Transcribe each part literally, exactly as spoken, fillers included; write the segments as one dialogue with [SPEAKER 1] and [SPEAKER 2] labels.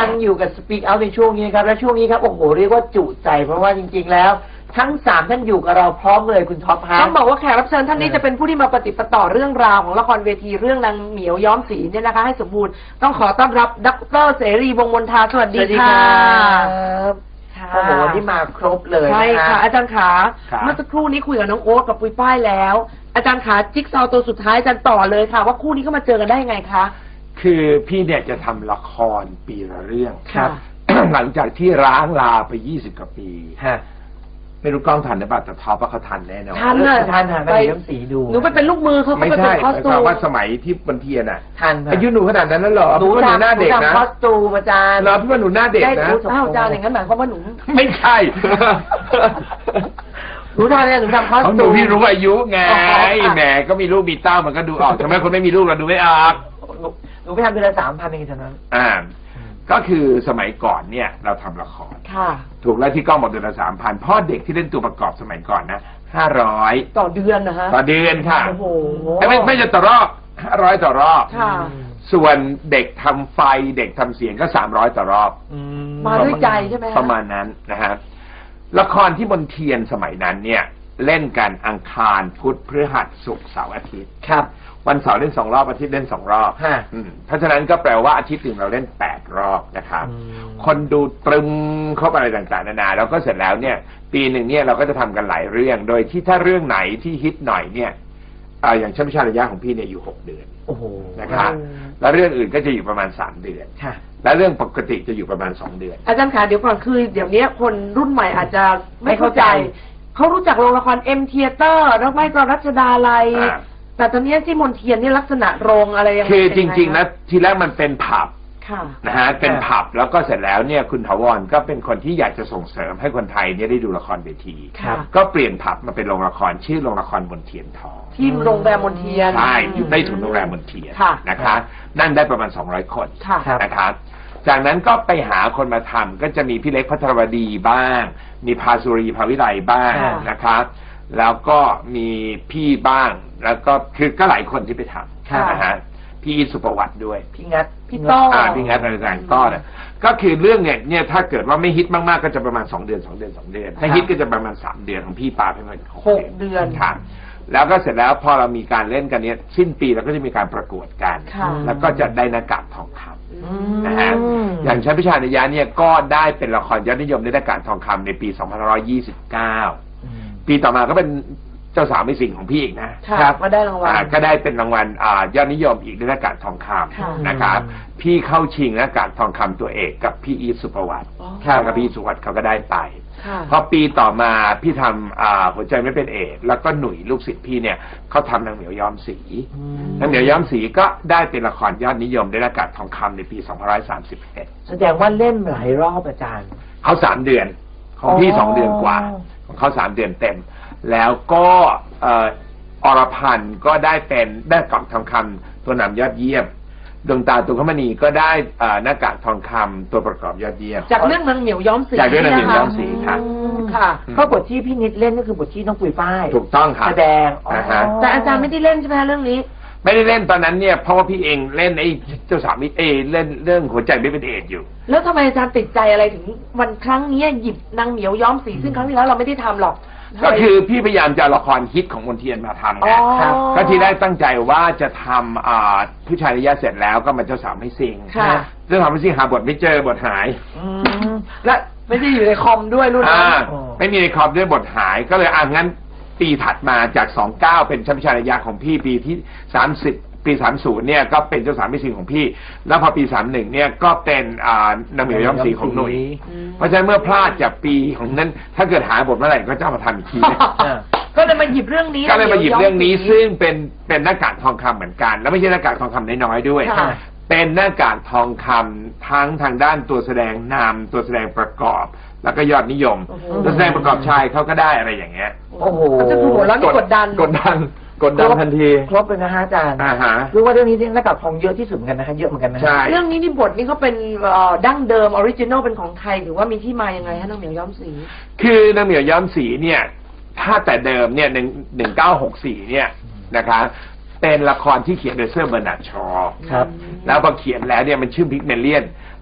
[SPEAKER 1] ยังอยู่กับ Speak Out ในช่วงนี้ครับและช่วงนี้ครับโอ้โหเรียกว่าจุใจเพราะว่าจริงๆแล้วทั้งสามท่านอยู่กับเราพร้อมเลยคุณท็อปฮะ
[SPEAKER 2] ต้องบอกว่าแขกรับเชิญท่านนี้จะเป็นผู้ที่มาปฏิปต่อเรื่องราวของละครเวทีเรื่องนางเหมียวย้อมสีเนี่ยนะคะให้สมบูรณ์ต้องขอต้อนรับดร.เสรีวงศ์มนทาสวัสดีค่ะ
[SPEAKER 1] โอ้โหวันนี้มาครบเลย
[SPEAKER 2] ใช่ค่ะอาจารย์ขา
[SPEAKER 3] เ
[SPEAKER 2] มื่อสักครู่นี้คุยกับน้องโอ๊ตกับปุ้ยป้ายแล้วอาจารย์ขาจิ๊กซอว์ตัวสุดท้ายอาจารย์ต่อเลยค่ะว่าคู่นี้เข้ามาเจอกันได้ยังไงคะ
[SPEAKER 3] คือพี่เนี่ยจะทำละครปีละเรื่อง
[SPEAKER 2] ครับ
[SPEAKER 3] หลังจากที่ร้างลาไปยี่สิบกว่าปีไม่รู้กล้องทันหรือเปล่าแต่ท็อปว่าเขาทันแน่นอน
[SPEAKER 2] ทันเลย
[SPEAKER 1] ทันทันไปน้ำสีดู
[SPEAKER 2] หนูไปเป็นลูกมือเขา
[SPEAKER 3] ไม่ใช่หมายความว่าสมัยที่บนเทียนอ่ะ
[SPEAKER 1] ทัน
[SPEAKER 3] อายุหนูขนาดนั้นแล้วเหรอ
[SPEAKER 1] หนูหน้าเด็กนะคอสตูมอาจารย์
[SPEAKER 3] เหรอพี่ว่าหนูหน้าเด็กนะ
[SPEAKER 2] อ้าวอาจารย์อย่างนั้นหมายความว่าหนู
[SPEAKER 3] ไม่ใช่
[SPEAKER 1] หนูทำเนี่ยหนูทำคอสตูม
[SPEAKER 3] หนูพี่รู้อายุไงแหมก็มีลูกมีเต้ามันก็ดูออกทำไมคนไม่มีลูกเราดูไม่ออก
[SPEAKER 1] หนูไปทำเดือนละสามพันเองเท่านั้น
[SPEAKER 3] อ่าก็คือสมัยก่อนเนี่ยเราทำละครถูกแล้วที่กล้องบอกเดือนละสามพันพ่อเด็กที่เล่นตัวประกอบสมัยก่อนนะห้าร้อย
[SPEAKER 2] ต่อเดือนนะฮะ
[SPEAKER 3] ต่อเดือนค่ะ
[SPEAKER 2] โอ้โห
[SPEAKER 3] ไม่ไม่จะต่อรอบห้าร้อยต่อรอบ
[SPEAKER 2] ค่ะ
[SPEAKER 3] ส่วนเด็กทำไฟเด็กทำเสียงก็สามร้อยต่อรอบ
[SPEAKER 2] มาด้วยใจใช่ไหม
[SPEAKER 3] ประมาณนั้นนะฮะละครที่บนเทียนสมัยนั้นเนี่ยเล่นกันอังคารพุธพฤหัสศุกร์เสาร์อาทิตย์
[SPEAKER 1] ครับ
[SPEAKER 3] วันเสาร์เล่นสองรอบอาทิตย์เล่นสองรอบเพราะฉะนั้นก็แปลว่าอาทิตย์หนึ่งเราเล่นแปดรอบนะครับคนดูตรึมครบอะไรต่างๆนานาแล้วก็เสร็จแล้วเนี่ยปีหนึ่งเนี่ยเราก็จะทำกันหลายเรื่องโดยที่ถ้าเรื่องไหนที่ฮิตหน่อยเนี่ยอย่างชั้นพิชาระยะของพี่เนี่ยอยู่หกเดือน
[SPEAKER 1] โอ้โห
[SPEAKER 3] นะครับแล้วเรื่องอื่นก็จะอยู่ประมาณสามเดือนและเรื่องปกติจะอยู่ประมาณสองเดือน
[SPEAKER 2] อาจารย์ขาเดี๋ยวก่อนคือเดี๋ยวนี้คนรุ่นใหม่อาจจะไม่เข้าใจเขารู้จักโรงละครเอ็มเทียเตอร์แล้วไม่ก็รัชดาลัยแต่ตอนนี้ที่มนเทียนนี่ลักษณะโรงอะไรยังไง
[SPEAKER 3] คือจริงๆนะทีแรกมันเป็นผับนะฮะเป็นผับแล้วก็เสร็จแล้วเนี่ยคุณถาวรก็เป็นคนที่อยากจะส่งเสริมให้คนไทยเนี่ยได้ดูละครเวทีก็เปลี่ยนผับมาเป็นโรงละครชื่อโรงละครมนเทียนทอง
[SPEAKER 2] ที่โรงแรมมนเทียน
[SPEAKER 3] ใช่อยู่ใต้ถุนโรงแรมมนเทียนนะคะนั่งได้ประมาณสองร้อยคนนะครับจากนั้นก็ไปหาคนมาทำก็จะมีพี่เล็กพัทรวดีบ้างมีภาสุรีภาวิไลบ้างนะครับแล้วก็มีพี่บ้างแล้วก็คือก็หลายคนที่ไปทำนะฮะพี่สุประวัติด้วย
[SPEAKER 1] พี่งัด
[SPEAKER 2] พี่ต้อ
[SPEAKER 3] พี่งัดอะไรต่างๆก็เนี่ยก็คือเรื่องเนี่ยเนี่ยถ้าเกิดว่าไม่ฮิตมากๆก็จะประมาณสองเดือนสองเดือนสองเดือนถ้าฮิตก็จะประมาณสามเดือนของพี่ปาไปมัน
[SPEAKER 2] หกเดือน
[SPEAKER 3] ค่ะแล้วก็เสร็จแล้วพอเรามีการเล่นกันเนี้ยสิ้นปีเราก็จะมีการประกวดกันแล้วก็จะได้หน้ากากทองคำนะฮะอย่างชั้นพิชานิยาเนี่ยก็ได้เป็นละครยอดนิยมได้หน้ากากทองคำในปีสองพันห้าร้อยยี่สิบเก้าปีต่อมาก็เป็นเจ้าสาวไม่สิ่งของพี่อีกนะครับ
[SPEAKER 2] ก็ได้รางวัล
[SPEAKER 3] ก็ได้เป็นรางวัลยอดนิยมอีกด้วยหน้ากากทองคำนะครับพี่เข้าชิงหน้ากากทองคำตัวเอกกับพี่อีสุประวัติกับพี่สุวัติเขาก็ได้ไปพอปีต่อมาพี่ทำหัวใจไม่เป็นเอดแล้วก็หนุ่ยลูกศิษย์พี่เนี่ยเขาทำนางเหมียวย้อมสีนางเหมียวย้อมสีก็ได้เป็นละครยอดนิยมได้หน้ากากทองคำในปีสองพันห้าร้อยสามสิบเอ็ด
[SPEAKER 1] แสดงว่าเล่นหลายรอบอาจารย์
[SPEAKER 3] เขาสามเดือนของพี่สองเดือนกว่าของเขาสามเดือนเต็มแล้วก็อรพันธ์ก็ได้เป็นได้กล่องทองคำตัวนำยอดเยี่ยมดวงตาตุลคมณีก็ได้หน้ากากทองคำตัวประกอบยอดเยี่ยม
[SPEAKER 2] จากเรื่องนางเหมียวย้อมสี
[SPEAKER 3] จากเรื่องนางเหมียวย้อมสีค่ะ
[SPEAKER 2] ค่ะ
[SPEAKER 1] เพราะบทที่พี่นิดเล่นก็คือบทที่น้องปุยฝ้าย
[SPEAKER 3] ถูกต้องค่ะ
[SPEAKER 1] แสดง
[SPEAKER 2] แต่อาจารย์ไม่ได้เล่นใช่ไหมเรื่องนี้
[SPEAKER 3] ไม่ได้เล่นตอนนั้นเนี่ยเพราะว่าพี่เองเล่นไอ้เจ้าสาวมิตรเอเล่นเรื่องหัวใจไม่เป็นเอดอยู่
[SPEAKER 2] แล้วทำไมอาจารย์ติดใจอะไรถึงวันครั้งนี้หยิบนางเหมียวย้อมสีซึ่งครั้งที่แล้วเราไม่ได้ทำหรอก
[SPEAKER 3] ก็คือพี่พยายามจะละครฮิตของมนเทียนมาทำไงก็ทีแรกตั้งใจว่าจะทำผู้ชายนิยายเสร็จแล้วก็มาเจ้าสาวไม่ซิงเจ้าสาวไม่ซิงหาบทไม่เจอบทหาย
[SPEAKER 2] และไม่ได้อยู่ในคอมด้วยรุ่นนั้น
[SPEAKER 3] ไม่มีในคอมด้วยบทหายก็เลยอ่างั้นปีถัดมาจากสองเก้าเป็นชั้นพิชานิยายของพี่ปีที่สามสิบปีสามสิบเนี่ยก็เป็นเจ้าสาวไม่ซิงของพี่แล้วพอปีสามสิบเอ็ดเนี่ยก็เป็นนางเหมียวย้อมสีของหนุ่ยเพราะฉะนั้นเมื่อพลาดจากปีของนั้นถ้าเกิดหาบทเมื่อไหร่ก็จะมาทำอีกที
[SPEAKER 2] ก็เลยมาหยิบเรื่องนี้
[SPEAKER 3] ก็เลยมาหยิบเรื่องนี้ซึ่งเป็นเป็นหน้ากากทองคำเหมือนกันแล้วไม่ใช่หน้ากากทองคำน้อยๆด้วยเป็นหน้ากากทองคำทั้งทางด้านตัวแสดงนำตัวแสดงประกอบแล้วก็ยอดนิยมตัวแสดงประกอบชายเขาก็ได้อะไรอย่างเงี้ย
[SPEAKER 1] โอ้โห
[SPEAKER 2] จะถูกแล้วนี่กดดัน
[SPEAKER 3] กดดันกดดันทันที
[SPEAKER 1] ครบเลยนะฮะอาจารย์
[SPEAKER 3] อ่าฮะ
[SPEAKER 1] รู้ว่าเรื่องนี้หน้ากากทองเยอะที่สุดเหมือนกันนะคะเยอะเหมือนกันนะ
[SPEAKER 3] ใช่
[SPEAKER 2] เรื่องนี้นี่บทนี่เขาเป็นดั้งเดิมออริจินอลเป็นของไทยหรือว่ามีที่มายังไงฮะนางเหมียวย้อมสี
[SPEAKER 3] คือนางเหมียวย้อมสีเนี่ยถ้าแต่เดิมเนี่ยหนึ่งหนึ่งเก้าหกสี่เนี่ยนะคะเป็นละครที่เขียนโดยเซอร์เบอร์นาร์ดชอว์ครับแล้วพอเขียนแล้วเนี่ยมันชื่อพิกเมเลียน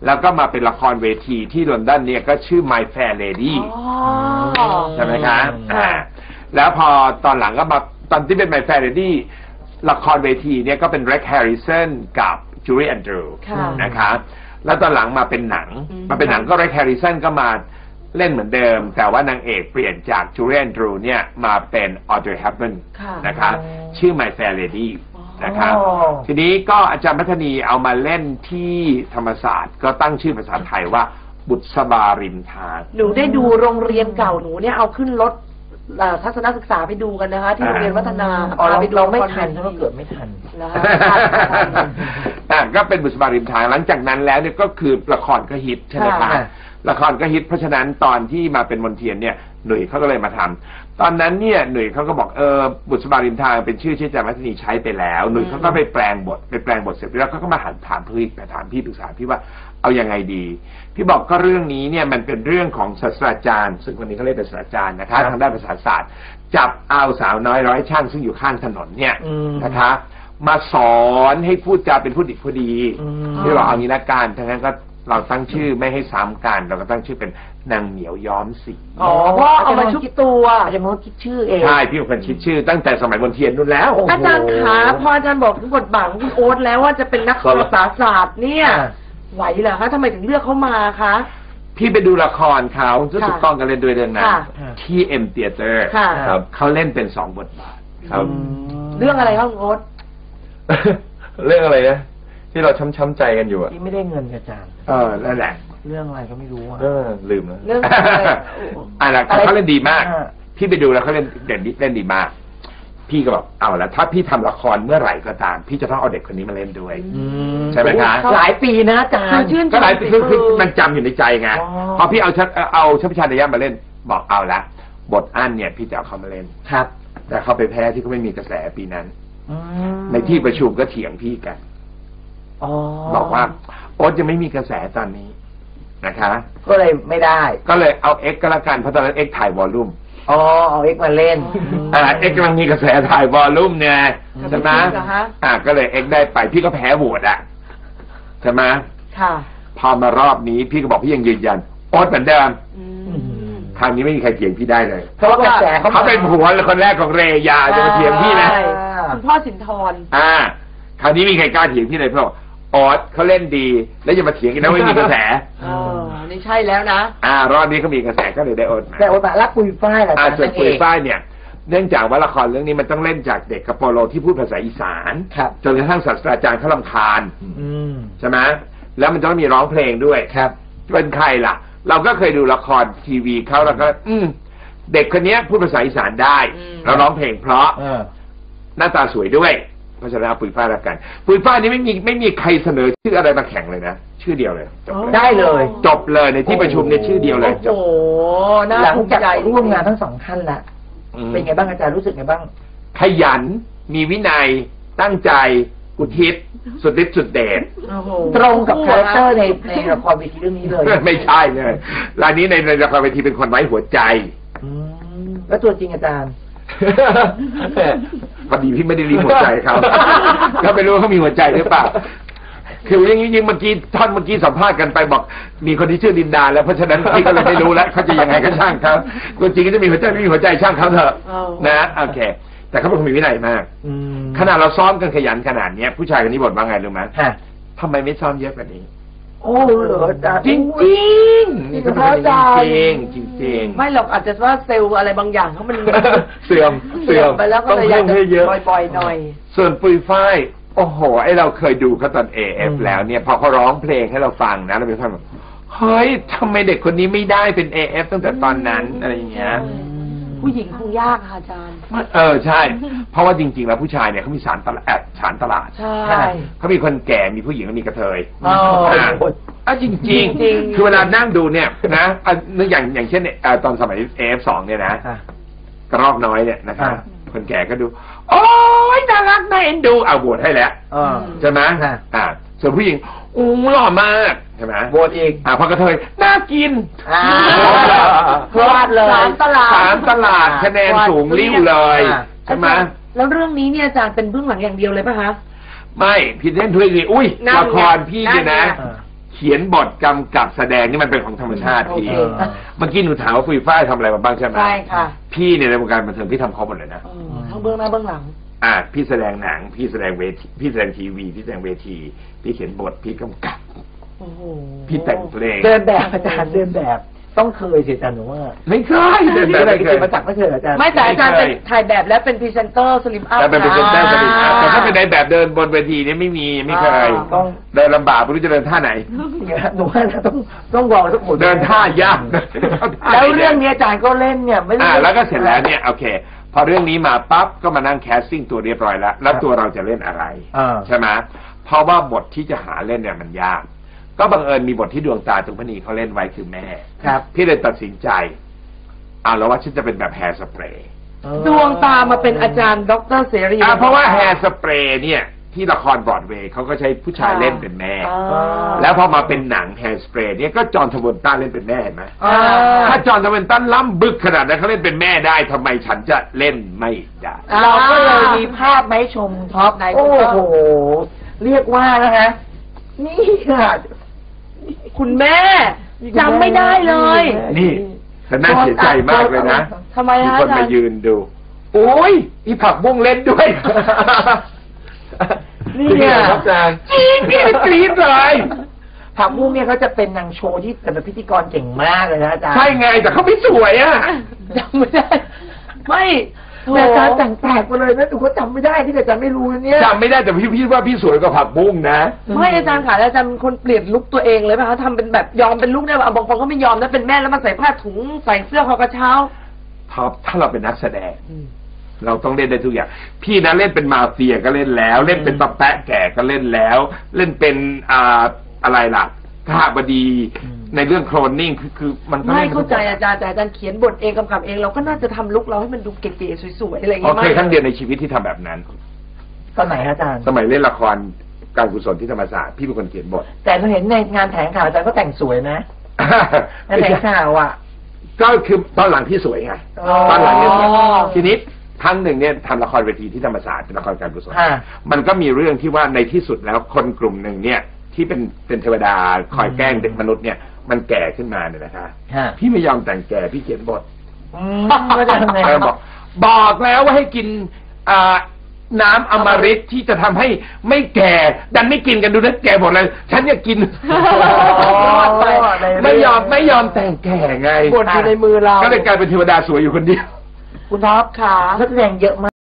[SPEAKER 3] แล้วก็มาเป็นละครเวทีที่ลอนดอนเนี่ยก็ชื่อ My Fair Lady
[SPEAKER 2] อ๋อ
[SPEAKER 3] ใช่ไหมคะอ่าแล้วพอตอนหลังก็มาตอนที่เป็น My Fair Lady ละครเวทีเนี่ยก็เป็น Rex Harrison กับ Julie Andrews
[SPEAKER 2] ค่ะ
[SPEAKER 3] นะคะแล้วตอนหลังมาเป็นหนัง
[SPEAKER 2] อืม
[SPEAKER 3] มาเป็นหนังก็ Rex Harrison ก็มาเล่นเหมือนเดิม แต่ว่านางเอกเปลี่ยนจาก Julie Andrews เนี่ยมาเป็น Audrey Hepburn
[SPEAKER 2] ค่ะ
[SPEAKER 3] นะคะชื่อ My Fair Lady นะคะ
[SPEAKER 1] อ๋อ
[SPEAKER 3] ทีนี้ก็อาจารย์พัฒนีเอามาเล่นที่ธรรมศาสตร์ก็ตั้งชื่อภาษาไทยว่าบุษบาริมทาง
[SPEAKER 2] หนูได้ดูโรงเรียนเก่าหนูเนี่ยเอาขึ้นรถเอ่อทัศนศึกษาไปดูกันนะคะ ที่โรงเรียนวัฒนา
[SPEAKER 1] อ๋อเรา
[SPEAKER 2] พไปดู
[SPEAKER 1] เราไม่
[SPEAKER 2] ละค
[SPEAKER 1] ทัน
[SPEAKER 2] วที
[SPEAKER 1] ถ้าเราเกิดไม่ทัน
[SPEAKER 2] นะคะ
[SPEAKER 3] อ่ะก็เป็นบุษบาริมทางหลังจากนั้นแล้วเนี่ยก็คือละครก็ฮิตใช่ไหมคะ
[SPEAKER 1] ค่ะ
[SPEAKER 3] ละครก็ฮิตเพราะฉะนั้นตอนที่มาเป็นมนเทียนเนี่ยหนุ่ยเขาก็เลยมาทำตอนนั้นเนี่ยหนุ่ยเขาก็บอกเออบุษบาริมทางเป็นชื่อที่อาจารย์วัฒนีใช้ไปแล้วหนุ่ยเขาก็ไปแปลงบทไปแปลงบทเสร็จแล้วเขาก็มาหันถามพี่ไปถามพี่ปรึกษาพี่ว่าเอายังไงดี พี่บอกก็เรื่องนี้เนี่ยมันเป็นเรื่องของศาสตราจารย์ ซึ่งคนนี้เขาเรียกเป็นศาสตราจารย์นะคะทางด้านภาษาศาสตร์ จับเอาสาวน้อยร้อยช่างซึ่งอยู่ข้างถนนเนี่ย
[SPEAKER 1] อืม
[SPEAKER 3] นะคะ มาสอนให้พูดจาเป็นผู้ดีผู้ดี
[SPEAKER 1] อืม
[SPEAKER 3] ที่บอกเอางี้ละกันทั้งนั้นก็เราตั้งชื่อไม่ให้ซ้ำกันเราก็ตั้งชื่อเป็นนางเหมียวย้อมสี
[SPEAKER 2] อ๋อเพราะเอามาชุบตัว
[SPEAKER 1] อาจารย์มดคิดชื่อเอง
[SPEAKER 3] ใช่พี่เป็นคนคิดชื่อตั้งแต่สมัยมนเทียนนู่นแล้ว
[SPEAKER 1] โอ้โห
[SPEAKER 2] อาจารย์ขาพออาจารย์บอกบทบาทของคุณโอ๊ตแล้วว่าจะเป็นนัก
[SPEAKER 3] ครับ
[SPEAKER 2] ภาษาศาสตร์เนี่ย
[SPEAKER 1] อ่า
[SPEAKER 2] ไหวเหรอคะทำไมถึงเลือกเขามาคะ
[SPEAKER 3] พี่ไปดูละครเขารู้สึกต้องกันเล่นด้วยเรื่องนั้น
[SPEAKER 2] ค่ะ
[SPEAKER 3] ที่เอ็มเตียเตอร์
[SPEAKER 2] ค่ะ
[SPEAKER 3] ครับเขาเล่นเป็นสองบทบาทครับ
[SPEAKER 2] เรื่องอะไรคะคุณโอ๊ต
[SPEAKER 4] เรื่องอะไรนะที่เราช้ำๆใจกันอยู่อะ
[SPEAKER 1] ที่ไม่ได้เงินกับอาจารย์
[SPEAKER 3] เออนั่นแหละ
[SPEAKER 1] เรื่องอะไรก็ไม่รู้อ่ะ
[SPEAKER 4] เออลืมแล้ว
[SPEAKER 2] เรื่องอะไร
[SPEAKER 3] อ่ะนะ
[SPEAKER 1] อะไร
[SPEAKER 3] เขาเล่นดีมาก
[SPEAKER 1] อ่า
[SPEAKER 3] พี่ไปดูแล้วเขาเล่นเด่นดีเล่นดีมาก พี่ก็บอกเอาละถ้าพี่ทำละครเมื่อไหร่ก็ตาม พี่จะต้องเอาเด็กคนนี้มาเล่นด้วย
[SPEAKER 1] อืม
[SPEAKER 3] ใช่ไหมคะ
[SPEAKER 1] หลายปีนะอาจาร
[SPEAKER 2] คือ
[SPEAKER 1] ย์
[SPEAKER 2] ชื่นช
[SPEAKER 3] ก็
[SPEAKER 2] ม
[SPEAKER 3] หลาย
[SPEAKER 2] ฝี
[SPEAKER 3] คือคือ
[SPEAKER 2] มือ
[SPEAKER 3] มันจำอยู่ในใจไง
[SPEAKER 1] อ๋อ
[SPEAKER 3] พอพี่เอาชัดเอาชัพชาดยะมาเล่น บอกเอาละบทอั้นเนี่ย พี่จะเอาเขามาเล่น
[SPEAKER 1] ครับ
[SPEAKER 3] แต่เขาไปแพ้ที่เขาไม่มีกระแสปีนั้น
[SPEAKER 1] อืม
[SPEAKER 3] ในที่ประชุมก็เถียงพี่กัน
[SPEAKER 1] อ๋อ
[SPEAKER 3] บอกว่าโอ๊ตยังไม่มีกระแสตอนนี้นะคะ
[SPEAKER 1] ก็เลยไม่ได้
[SPEAKER 3] ก็เลยเอาเอ็กก็แล้วกันเพราะตอนนั้นเอ็กถ่ายวอลลุ่ม
[SPEAKER 1] อ๋อเอาเอ็กซ์มาเล่น
[SPEAKER 3] อ่าเอ็กกำลังมีกระแสถ่ายวอลลุ่มเนี่ยใช่ไหม
[SPEAKER 2] เหรอคะ
[SPEAKER 3] อ่าก็เลยเอ็กได้ไปพี่ก็แพ้โหวตอะใช่ไหม
[SPEAKER 2] ค่ะ
[SPEAKER 3] พอมารอบนี้พี่ก็บอกพี่ยังยืนยันโอ๊ตเหมือนเดิม
[SPEAKER 2] อืม
[SPEAKER 3] คราวนี้ไม่มีใครเถียงพี่ได้เลย
[SPEAKER 1] เพราะว่ากระแสเขา
[SPEAKER 3] เขาเป็นผัวคนแรกของเรยาจะมาเถียงพี่นะ
[SPEAKER 2] ใช่คุณพ่อสินทร
[SPEAKER 3] อ่า คราวนี้มีใครกล้าเถียงพี่เลยเพราะว่าโอ๊ตเขาเล่นดี แล้วจะมาเถียงกันนะไม่มีกระแส
[SPEAKER 2] เออนี่ใช่แล้วนะ
[SPEAKER 3] อ่ารอบนี้เขามีกระแสก็เลยได้โอ๊ตมา
[SPEAKER 1] แต่โอตะรักปุยฝ้ายแหละ
[SPEAKER 3] อ่า
[SPEAKER 1] อาจารย์
[SPEAKER 3] ส่วน
[SPEAKER 1] นั่น
[SPEAKER 3] ปุ
[SPEAKER 1] เอย ง
[SPEAKER 3] ฝ้ายเนี่ย เนื่องจากว่าละครเรื่องนี้มันต้องเล่นจากเด็กกับโปโลที่พูดภาษาอีสาน
[SPEAKER 1] ครับ
[SPEAKER 3] จนกระทั่งศาสตราจารย์เขาลำคาญ
[SPEAKER 1] อืม
[SPEAKER 3] ใช่ไหมแล้วมันจะต้องมีร้องเพลงด้วย
[SPEAKER 1] ครับ
[SPEAKER 3] เป็นใครล่ะ เราก็เคยดูละครทีวีเขาแล้วก็ อืมเด็กคนนี้พูดภาษาอีสานได้
[SPEAKER 2] อืม
[SPEAKER 3] แล้วร้องเพลงเพราะ
[SPEAKER 1] เออ
[SPEAKER 3] หน้าตาสวยด้วย เพราะฉะนั้นเอาปุยฝ้ายแล้วกัน ปุยฝ้ายนี้ไม่มีไม่มีใครเสนอชื่ออะไรมาแข่งเลยนะชื่อเดียวเลยจบเลย
[SPEAKER 1] ได้เลย
[SPEAKER 3] จบเลยในที่ประชุมเนี่ยชื่อเดียวเลยจ
[SPEAKER 2] โอ้
[SPEAKER 3] บ
[SPEAKER 2] โหน่า
[SPEAKER 1] หลัง
[SPEAKER 2] ภูมิ
[SPEAKER 1] จาก
[SPEAKER 2] ใจ
[SPEAKER 1] ร่วมงานทั้งสองท่านละ
[SPEAKER 3] อืม
[SPEAKER 1] เป็นไงบ้างอาจารย์รู้สึกไงบ้าง
[SPEAKER 3] ขยัน มีวินัย ตั้งใจ อุทิศ สุดฤทธิ์สุดเดช
[SPEAKER 2] โอ้โห
[SPEAKER 1] ตรงกับคาแรคเตอร์ในในละครเวทีเรื่องนี้เลย
[SPEAKER 3] ไม่ใช่เลยรายนี้ในในละครเวทีเป็นคนไร้หัวใจ
[SPEAKER 1] อืมแล้วตัวจริงอาจารย์
[SPEAKER 3] พอดีพี่ไม่ได้รีหัวใจเขา ก็ไม่รู้ว่าเขามีหัวใจหรือเปล่า คืออย่างนี้ยิงเมื่อกี้ท่อนเมื่อกี้สัมภาษณ์กันไปบอก มีคนที่ชื่อดินดาแล้วเพราะฉะนั้นพี่ก็เลยไม่รู้แล้วเขาจะยังไงก็ช่างเขาตัวจริงก็จะมีหัวใจไม่มีหัวใจช่างเขาเถอะ
[SPEAKER 2] เอา
[SPEAKER 3] นะโอเค แต่เขาเป็นคนมีวินัยมาก
[SPEAKER 1] อืม
[SPEAKER 3] ขนาดเราซ้อมกันขยันขนาดเนี้ยผู้ชายคนนี้บ่นว่าไงรู้ไหม
[SPEAKER 1] ฮะ
[SPEAKER 3] ทำไมไม่ซ้อมเยอะกว่านี้
[SPEAKER 1] โอ้เหรออาจารย์
[SPEAKER 3] จริงจริงๆนี่ก็เป็นจริงจริงจริงๆ
[SPEAKER 2] ไม่หรอกอาจจะว่าเซลล์อะไรบางอย่างเขามัน
[SPEAKER 3] เสื่อมเสื่อม
[SPEAKER 2] ไปแล้วก็
[SPEAKER 4] ต้อง
[SPEAKER 2] เลยอยาก
[SPEAKER 4] เพิ่มให้เย
[SPEAKER 2] จะ
[SPEAKER 4] อะ
[SPEAKER 2] ปล่อยๆหน่อย
[SPEAKER 3] ส่วนปุยฝ้ายโอ้โหไอเราเคยดูเขาตอน เอ เอฟ แล้วเนี่ยพอเขาร้องเพลงให้เราฟังนะเราไปฟังแบบเฮ้ยทำไมเด็กคนนี้ไม่ได้เป็น เอ เอฟ ตั้งแต่ตอนนั้นอะไรอย่างเงี้ย
[SPEAKER 2] ผู้หญิงคงยากค่ะอาจารย์
[SPEAKER 3] เออใช่ เพราะว่าจริง ๆ แล้วผู้ชายเนี่ยเขามีสารตลาดแอบสารตลาด
[SPEAKER 2] ใช่
[SPEAKER 1] ใช่
[SPEAKER 3] เขามีคนแก่มีผู้หญิงก็มีกระเทย
[SPEAKER 1] อ๋อ
[SPEAKER 3] อ่าอ่ะจริงจริง
[SPEAKER 2] จริง
[SPEAKER 3] คือเวลานั่งดูเนี่ยนะอ่ะนึกอย่างอย่างเช่นเนี่ยเอ่อตอนสมัย เอ เอฟ สองเนี่ยนะ
[SPEAKER 1] ฮะ
[SPEAKER 3] กระรอกน้อยเนี่ยนะคะ
[SPEAKER 1] อ่า
[SPEAKER 3] คนแก่ก็ดู โอ้ยน่ารักน่าเอ็นดูเอาบวชให้แล้ว
[SPEAKER 1] อ่า
[SPEAKER 3] ใช่ไหม
[SPEAKER 1] ฮะ
[SPEAKER 3] อ่า ส่วนผู้หญิงอู้หล่อมากใช่ไหม
[SPEAKER 1] โหวตอีก
[SPEAKER 3] อ่าพอกระเทยน่ากิน
[SPEAKER 1] อ่า
[SPEAKER 2] พลาดเลย
[SPEAKER 1] สามตลาด
[SPEAKER 3] สามตลาดคะแนนสูงริ้วเลย
[SPEAKER 1] อ่า
[SPEAKER 3] ใช่ไหม
[SPEAKER 2] แล้วเรื่องนี้เนี่ยอาจารย์เป็นเบื้องหลังอย่างเดียวเลยป่ะคะ
[SPEAKER 3] ไม่พี่เล่นด้วยสิอุ้ย
[SPEAKER 2] นั่นไง
[SPEAKER 3] ละครพี่เนี่ยนะ
[SPEAKER 2] นั่นไง
[SPEAKER 3] เขขียนบทกำกับแสดงนี่มันเป็นของธรรมชาติพี่
[SPEAKER 1] โอเค
[SPEAKER 3] เมื่อกี้หนูถามว่าฟุยฝ้ายทำอะไรมาบ้างใช่ไหม
[SPEAKER 2] ใช่ค่ะ
[SPEAKER 3] พี่เนี่ยในวงการบันเทิงพี่ทำครบหมดเลยนะ
[SPEAKER 2] เออทั้งเบื้องหน้าเบื้องหลัง
[SPEAKER 3] อ่าพี่แสดงหนังพี่แสดงเวทีพี่แสดงทีวีพี่แสดงเวทีพี่เขียนบทพี่กำกับ
[SPEAKER 2] โอ้โห
[SPEAKER 3] พี่แต่งเพลง
[SPEAKER 1] เดินแบบอาจารย์เดินแบบต้องเคยสิอาจารย์หนูว่า
[SPEAKER 3] ไม่เคยเดิน
[SPEAKER 1] ที่
[SPEAKER 3] แบบ
[SPEAKER 1] อะไร
[SPEAKER 3] ไม่
[SPEAKER 1] กิ
[SPEAKER 3] เค
[SPEAKER 1] จ
[SPEAKER 3] ย
[SPEAKER 1] มาจากไม่เคยเหรออาจารย์
[SPEAKER 2] ไม่แต่อาจารย์
[SPEAKER 3] ไม่
[SPEAKER 2] เป็น
[SPEAKER 3] เคย
[SPEAKER 2] ถ่ายแบบและเป็นพรีเซนเตอร์สลิมอัพ
[SPEAKER 3] แต่เป็นพรีเซนเตอร์สนิทแต่ถ้าเป็นในแบบเดินบนเวทีนี่ไม่มีไม่เคย
[SPEAKER 1] ต้อง
[SPEAKER 3] เดินลำบากไม่รู้จะเดินท่าไหน
[SPEAKER 1] หนูว่าต้องต้องบอกทุกคน
[SPEAKER 3] เดินท่ายาก
[SPEAKER 1] แล้วเรื่องนี้อาจารย์ก็เล่นเนี่ยไม่ได้
[SPEAKER 3] อ่าแล้วก็เสร็จแล้วเนี่ยโอเค พอเรื่องนี้มาปั๊บก็มานั่งแคสติ้งตัวเรียบร้อยแล้ว แล้วตัวเราจะเล่นอะไร
[SPEAKER 1] อ่า
[SPEAKER 3] ใช่ไหมเพราะว่าบทที่จะหาเล่นเนี่ยมันยาก ก็บังเอิญมีบทที่ดวงตาตุงพนีเขาเล่นไว้คือแม่
[SPEAKER 1] ครับ
[SPEAKER 3] พี่เลยตัดสินใจอ่าแล้วว่าฉันจะเป็นแบบแฮร์สเปรย์
[SPEAKER 2] ดวงตามาเป็นอาจารย์ดรเสรี
[SPEAKER 3] อ่าเพราะว่าแฮร์สเปรย์เนี่ยที่ละครบรอดเวย์เขาก็ใช้ผู้ชายเล่นเป็นแม่
[SPEAKER 2] อ่า
[SPEAKER 3] แล้วพอมาเป็นหนังแฮร์สเปรย์เนี่ยก็จอห์นทาเวนตันเล่นเป็นแม่เห็นไหม
[SPEAKER 2] อ่า
[SPEAKER 3] ถ้าจอห์นทาเวนตันล้ำบึกขนาดนั้นเขาเล่นเป็นแม่ได้ทำไมฉันจะเล่นไม่ได้
[SPEAKER 1] เราก็เลยมีภาพไหมาให้ชมท็อป
[SPEAKER 2] ไหนคุ
[SPEAKER 1] โอ้
[SPEAKER 2] ณท็อป
[SPEAKER 1] โหเรียกว่านะฮะนี่ค่ะ
[SPEAKER 2] คุณแม่จำไม่ได้เลย
[SPEAKER 3] นี่แต่น่าเสียใจมากเลยนะ
[SPEAKER 2] ทำไม
[SPEAKER 3] มี
[SPEAKER 2] ฮะ
[SPEAKER 3] คน
[SPEAKER 2] อาจาร
[SPEAKER 3] มา
[SPEAKER 2] ย์
[SPEAKER 3] ยืนดู โอ้ยอีผักบุ้งเล่นด้วย
[SPEAKER 1] นี่
[SPEAKER 4] จริง
[SPEAKER 1] เนี่
[SPEAKER 4] เห
[SPEAKER 1] ย
[SPEAKER 4] รอครับอาจารย์
[SPEAKER 3] จริงพี่กรี๊ดเลย
[SPEAKER 1] ผักบุ้งเนี่ยเขาจะเป็นนางโชว์ที่แต่เป็นพิธีกรเก่งมากเลยนะอาจารย์
[SPEAKER 3] ใช่ไงแต่เขาไม่สวยอ่ะ
[SPEAKER 2] จำไม่ได้ ไม่โถ
[SPEAKER 1] แต่อาจารย์แต่งแปลกมาเลยนะหนูก็จำไม่ได้ที่อาจารย์ไม่รู้นะเนี่ย
[SPEAKER 3] จำไม่ได้แต่พี่พี่ว่าพี่สวยกว่าผักบุ้งนะ
[SPEAKER 2] ไม่อาจารย์ค่ะอาจารย์เป็นคนเปลี่ยนลุคตัวเองเลยป่ะคะทำเป็นแบบยอมเป็นลุคได้ป่ะบางคนก็ไม่ยอมนะเป็นแม่แล้วมาใส่ผ้าถุงใส่เสื้อคอกระเช้า
[SPEAKER 3] ท็อปถ้าเราเป็นนักแสดง เราต้องเล่นได้ทุกอย่าง พี่นะเล่นเป็นมาเฟียก็เล่นแล้ว เล่นเป็นตะแปะแก่ก็เล่นแล้ว เล่นเป็นอ่าอะไรล่ะข้าบดีในเรื่องโคลนนิ่งคือคือมันก็
[SPEAKER 2] ไม่
[SPEAKER 3] ล่น
[SPEAKER 2] เข้าใจอาจารย์แต่อาจารย์เขียนบทเองกำกับเองเราก็น่าจะทำลุคเราให้มันดูเก๋ๆสวยๆอะไรอย่าง
[SPEAKER 3] อ๋อ
[SPEAKER 2] เงี้ย
[SPEAKER 3] เคยครั้ง
[SPEAKER 2] ไม่
[SPEAKER 3] เดียวในชีวิตที่ทำแบบนั้น
[SPEAKER 1] ตอนไหนฮะอาจารย์
[SPEAKER 3] สมัยเล่นละครการกุศลที่ธรรมศาสตร์พี่เป็นคนเขียนบท
[SPEAKER 1] แต่เราเห็นในงานแถลงข่าวอาจารย์ก็แต่งสวยนะในแถลงข่าวอ่ะ
[SPEAKER 3] ก็คือตอนหลังที่สวยไง
[SPEAKER 1] อ๋อ
[SPEAKER 3] ตอนหลังเนี่ยสวยทีนี้ครั้งหนึ่งเนี่ยทำละครเวทีที่ธรรมศาสตร์เป็นละครการกุศล
[SPEAKER 1] อ่า
[SPEAKER 3] มันก็มีเรื่องที่ว่าในที่สุดแล้วคนกลุ่มหนึ่งเนี่ย ที่เป็นเป็นเทวดาคอยแกล้งเด็กมนุษย์เนี่ยมันแก่ขึ้นมาเนี่ยนะคะ
[SPEAKER 1] ฮะ
[SPEAKER 3] พี่ไม่ยอมแต่งแก่พี่เขียนบท
[SPEAKER 1] อืมก็จะทำไง
[SPEAKER 3] เออบอกบอกแล้วว่าให้กินอ่าน้ำอมฤตที่จะทำให้ไม่แก่ ดันไม่กินกันดูนะแก่หมดเลย ฉันอยากกิน ไม่ยอมไม่ยอมแต่งแก่ไง
[SPEAKER 2] บทอยู่ในมือเรา
[SPEAKER 3] ก็เลยกลายเป็นเทวดาสวยอยู่คนเดียว
[SPEAKER 1] คุณท็อป
[SPEAKER 2] ค่ะ
[SPEAKER 1] นักแสดงเยอะมาก